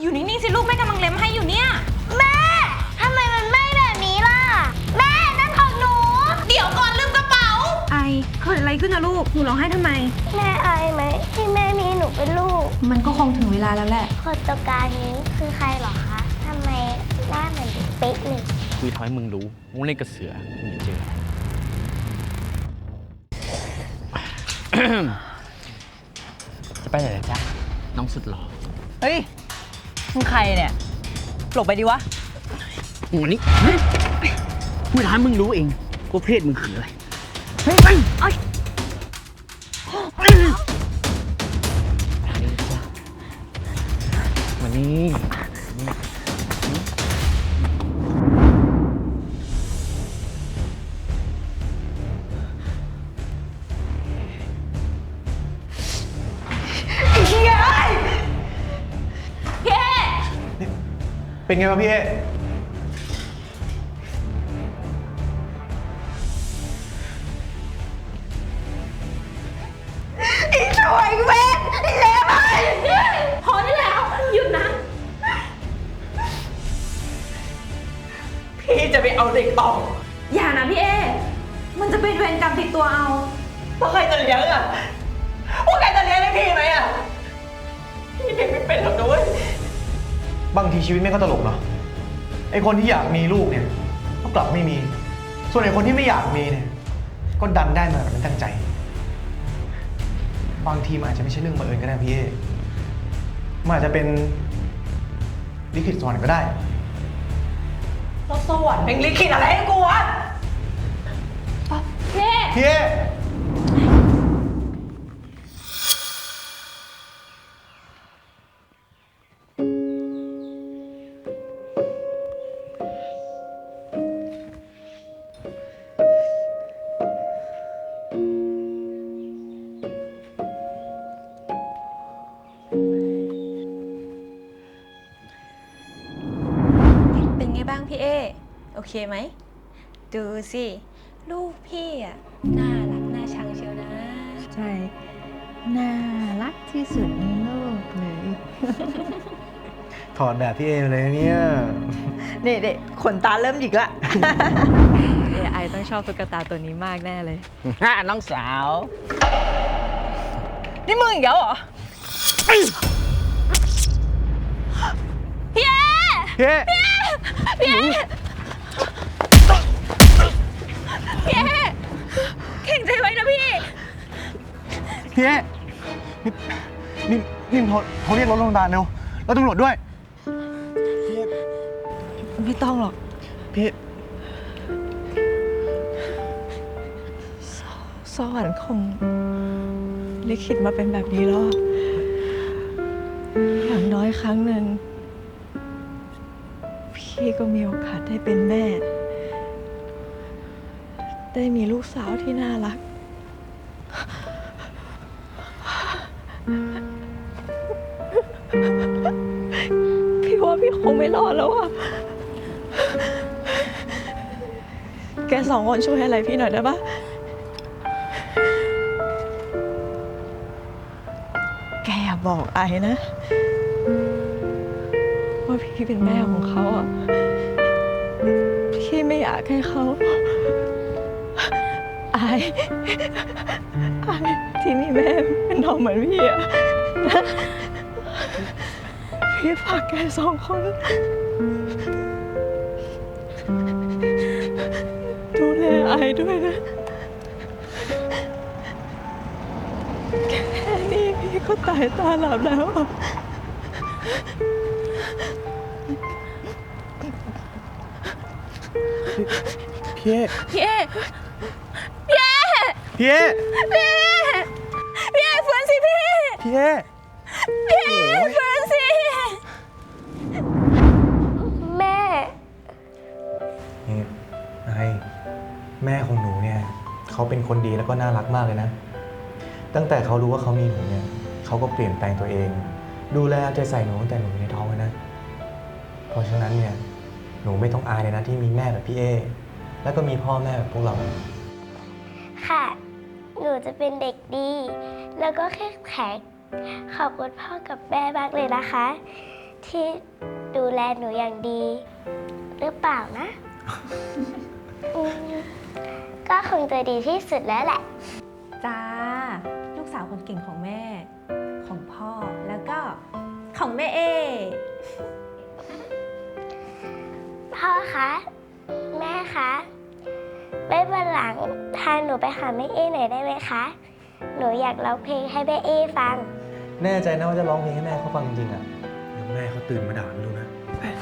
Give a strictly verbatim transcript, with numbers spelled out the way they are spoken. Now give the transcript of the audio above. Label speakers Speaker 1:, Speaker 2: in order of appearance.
Speaker 1: อยู่นิ่งๆสิลูกแม่กำลังเล็มให้อยู่เนี่ย
Speaker 2: แม่ทำไมมันไหม้แบบนี้ล่ะแม่นั่นของหนู
Speaker 1: เดี๋ยวก่อนลืมกระเป๋าไอเกิดอะไรขึ้นนะลูกหนูร้องไห้ทำไม
Speaker 2: แม่อายไหมที่แม่มีหนูเป็นลูก
Speaker 1: มันก็คงถึงเวลาแล้วแหละ
Speaker 2: คนตัวการนี้คือใครหรอคะทำไมหน้าเหมือนเป๊ะเลย
Speaker 3: คุยทำให้มึงรู้มึงเล่นกับเสือมึงอย่าเจอ จะไปไหนล่ะจ๊ะน้องสุดหล่อ
Speaker 4: เฮ้ยมึงใครเนี่ยหลบไปดิวะ
Speaker 3: วันนี้คุยทำให้มึงรู้เองว่าเพศมึงคืออะไรเฮ้ยไอ้มานี่
Speaker 5: เป็นไงวะพี่เอ
Speaker 1: อีช่วยเว้นอีเลวไปพอได้แล้วหยุดนะ
Speaker 4: พี่จะไปเอาเด็กต่อ
Speaker 1: อย่านะพี่เอมันจะเป็นเวรกรรมติดตัวเอา
Speaker 4: ว่าใครจะเลี้ยงอ่ะว่าใครจะเลี้ยงให้พี่ไหมอ่ะพี่เด็กไม่เป็นหรอกด้วย
Speaker 5: บางทีชีวิตแม่ก็ตลกเนาะไอคนที่อยากมีลูกเนี่ยก็กลับไม่มีส่วนไอคนที่ไม่อยากมีเนี่ยก็ดันได้มาแบบไม่ตั้งใจบางทีมันอาจจะไม่ใช่เรื่องบังเอิญก็ได้พี่เอมันอาจจะเป็นลิขิตสวรรค์ก็ได้
Speaker 4: แล้วสวรรค์เป็นลิขิตอะไรให้กูวะ
Speaker 1: พี่เอ
Speaker 5: พี่เอ
Speaker 1: เป็นไงบ้างพี่เอโอเคไหมดูสิลูกพี่อ่ะน่ารักน่าชังเชียวนะ
Speaker 6: ใช่น่ารักที่สุดในโลกเลย
Speaker 5: ถอดแบบพี่เอเลยเนี่ย
Speaker 4: นี่เด็กขนตาเริ่มหยิกละ
Speaker 6: เอไอต้องชอบตุ๊กตาตัวนี้มากแน่เลย
Speaker 3: ฮ่าน้องสาว
Speaker 4: นี่มึงอีกแล้วเหรอ
Speaker 1: พี่เอ
Speaker 5: พี่เอ
Speaker 1: พี่เอพี่เอเข่งใจไว้นะพี่
Speaker 5: พี่เอนี่นี่นี่เขาเขาเรียกรถโรงพยาบาลเร็วแล้วตำรวจด้วยพี่เอ
Speaker 4: ไม่ต้องหรอก
Speaker 5: พี่
Speaker 4: สวรรค์คงลิขิตมาเป็นแบบนี้แล้วอย่างน้อยครั้งหนึ่งพี่ก็มีโอกาสได้เป็นแม่ได้มีลูกสาวที่น่ารักพี่ว่าพี่คงไม่รอดแล้วอ่ะแกสองคนช่วยอะไรพี่หน่อยได้ปะแกอย่าบอกไอ้นะว่าพี่เป็นแม่ของเขาอ่ะพี่ไม่อยากให้เขาไอ้ไอ้ที่มีแม่เป็นน้องเหมือนพี่อ่ะพี่ฝากแกสองคนดูแลไอ้ด้วยนะแค่นี้พี่ก็ตายตาหลับแล้วอ่ะ
Speaker 5: พี่เอ
Speaker 1: พี่เอพี่เอ
Speaker 5: พี่เอ
Speaker 1: พี่เอพี่เอฟื้นสิพี่
Speaker 5: พี่เอ
Speaker 1: พี่เอฟื้นสิ
Speaker 2: แม่
Speaker 5: นี่ไอแม่ของหนูเนี่ยเขาเป็นคนดีแล้วก็น่ารักมากเลยนะตั้งแต่เขารู้ว่าเขามีหนูเนี่ยเขาก็เปลี่ยนแปลงตัวเองดูแลเอาใจใส่หนูตั้งแต่หนูอยู่ในท้องเลยนะเพราะฉะนั้นเนี่ยหนูไม่ต้องอายเลยนะที่มีแม่แบบพี่เอแล้วก็มีพ่อแม่แบบพวกเรา
Speaker 2: ค่ะหนูจะเป็นเด็กดีแล้วก็แข็งแกร่งขอบคุณพ่อกับแม่มากเลยนะคะที่ดูแลหนูอย่างดี หรือเปล่านะ อืมก็คงจะดีที่สุดแล้วแหละ
Speaker 1: จ้า ลูกสาวคนเก่งของแม่ ของพ่อ แล้วก็ของแม่เอ
Speaker 2: พ่อคะ แม่คะไว้วันหลังพาหนูไปหาแม่เอ้หน่อยได้ไหมคะ หนูอยากร้องเพลงให้แม่เอ้ฟัง
Speaker 5: แน่ใจนะว่าจะร้องเพลงให้แม่เขาฟังจริงๆอ่ะเดี๋ยวแม่เขาตื่นมาด่าไม่รู้นะ
Speaker 2: ไ